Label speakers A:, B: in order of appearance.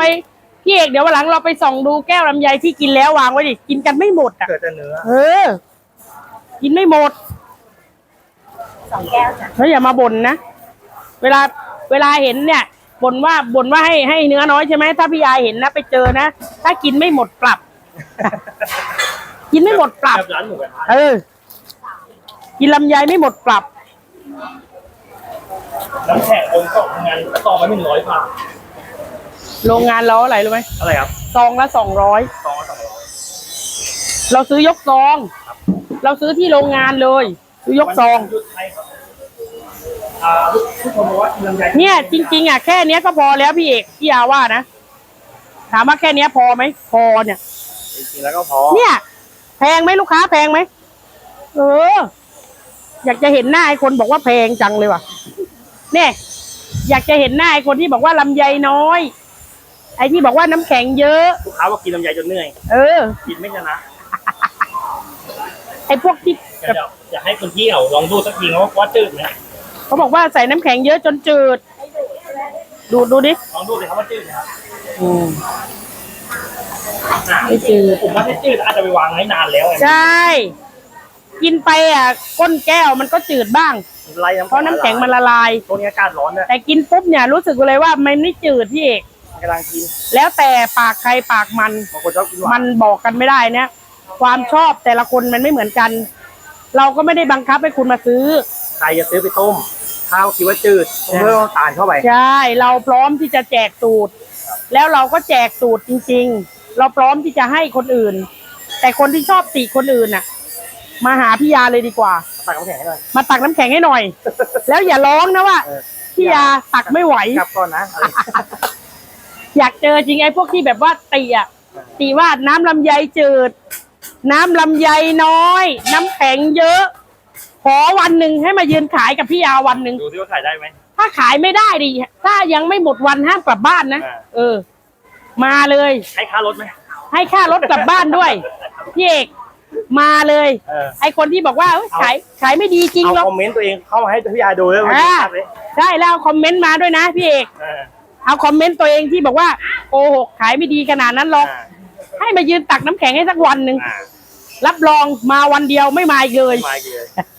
A: พี่เอกเดี๋ยววันหลังเราไปส่องดูแก้วลำไยที่กินแล้ววางไว้ดิกินกันไม่หมดอ่ะ
B: เกิดแต่เนื้อ
A: กินไม่หมด
C: 2 แก้วจ้ะ
A: แล้วอย่ามาบ่นนะเวลาเห็นเนี่ยบ่นว่าให้เนื้อน้อยใช่ไหมถ้าพี่ยาเห็นนะไปเจอนะถ้ากินไม่หมดปรับ กินไม่หมดปรับ
B: ร้านหมูกระทะ
A: กินลำไยไม่หมดปรับ
B: น้ำแข็งองค์ก็งานต่อมา100 บาท
A: โรงงานเราอะไรรู้ไหม
B: อะไรครับ
A: ซองละ200
B: ซองละ200
A: เราซื้อยกซองเราซื้อที่โรงงานเลยซื้อยกซอง
B: ผู้ชมบอกว่าลำไย
A: เนี่ยจริงๆอ่ะแค่เนี้ยก็พอแล้วพี่เอกพี่ยาว่านะถามว่าแค่เนี้ยพอไหมพอเนี่ย
B: จริงๆแล้วก็พอ
A: เนี่ยแพงไหมลูกค้าแพงไหมอยากจะเห็นหน้าไอ้คนบอกว่าแพงจังเลยว่ะเนี่ยอยากจะเห็นหน้าไอ้คนที่บอกว่าลำไยน้อยไอ้ที่บอกว่าน้ำแข็งเยอะ
B: ลูกค้าว่ากินลำไยจนเหนื่อยกินไม่ชนะ
A: ไอ้พวกที่
B: อยากให้คนที่ลองดูสักทีว่าจืดไหม
A: เขาบอกว่าใส่น้ำแข็งเยอะจนจืดดูดิ
B: ลองดูเลยครับว่าจืดไหมครับ
A: ไม่จืด
B: ผมว่าถ้าจืดอาจจะไปวางไว้นานแล้ว
A: ใช่กินไปก้นแก้วมันก็จืดบ้างเพราะน้ำแข็งมันละลาย
B: ตรงนี้อากาศร้อน
A: แต่กินปุ๊บเนี่ยรู้สึกเลยว่ามันไม่จืดพี่เอก
B: กำลังกิน
A: แล้วแต่ปากใครปากมัน
B: บางคนชอบกินหวาน
A: มันบอกกันไม่ได้เนี่ยความชอบแต่ละคนมันไม่เหมือนกันเราก็ไม่ได้บังคับให้คุณมาซื้อ
B: ใครจะซื้อไปต้มข้าวคิดว่าจืดเพิ่มน้ำตาลเข้าไป
A: ใช่เราพร้อมที่จะแจกสูตรแล้วเราก็แจกสูตรจริงๆเราพร้อมที่จะให้คนอื่นแต่คนที่ชอบติคนอื่นน่ะมาหาพี่ยาเลยดีกว่า
B: ตักน้ำแข็งให้หน่อย
A: มาตักน้ำแข็งให้หน่อยแล้วอย่าร้องนะว่าพี่ยาตักไม่ไหว
B: กลับก่อนนะ
A: อยากเจอจริงไอ้พวกที่แบบว่าตีว่าน้ำลำไยจืดน้ำลำไยน้อยน้ำแข็งเยอะขอวันหนึ่งให้มายืนขายกับพี่ยาวันหนึ่ง
B: ดูที่ว่าขายได้ไหม
A: ถ้าขายไม่ได้ดิถ้ายังไม่หมดวันห้ามกลับบ้านนะมาเลย
B: ให้ค่ารถไหม
A: ให้ค่ารถกลับบ้านด้วยพี่เอกมาเลยไอคนที่บอกว่าขายไม่ดีจริงหรอก
B: คอมเมนต์ตัวเองเข้ามาให้พี่ยาดูเลย
A: ได้แล้วคอมเมนต์มาด้วยนะพี่เอกเอาคอมเมนต์ตัวเองที่บอกว่าโกหกขายไม่ดีขนาดนั้นหรอกให้มายืนตักน้ำแข็งให้สักวันหนึ่งรับรองมาวันเดียวไม่มาอีกเลย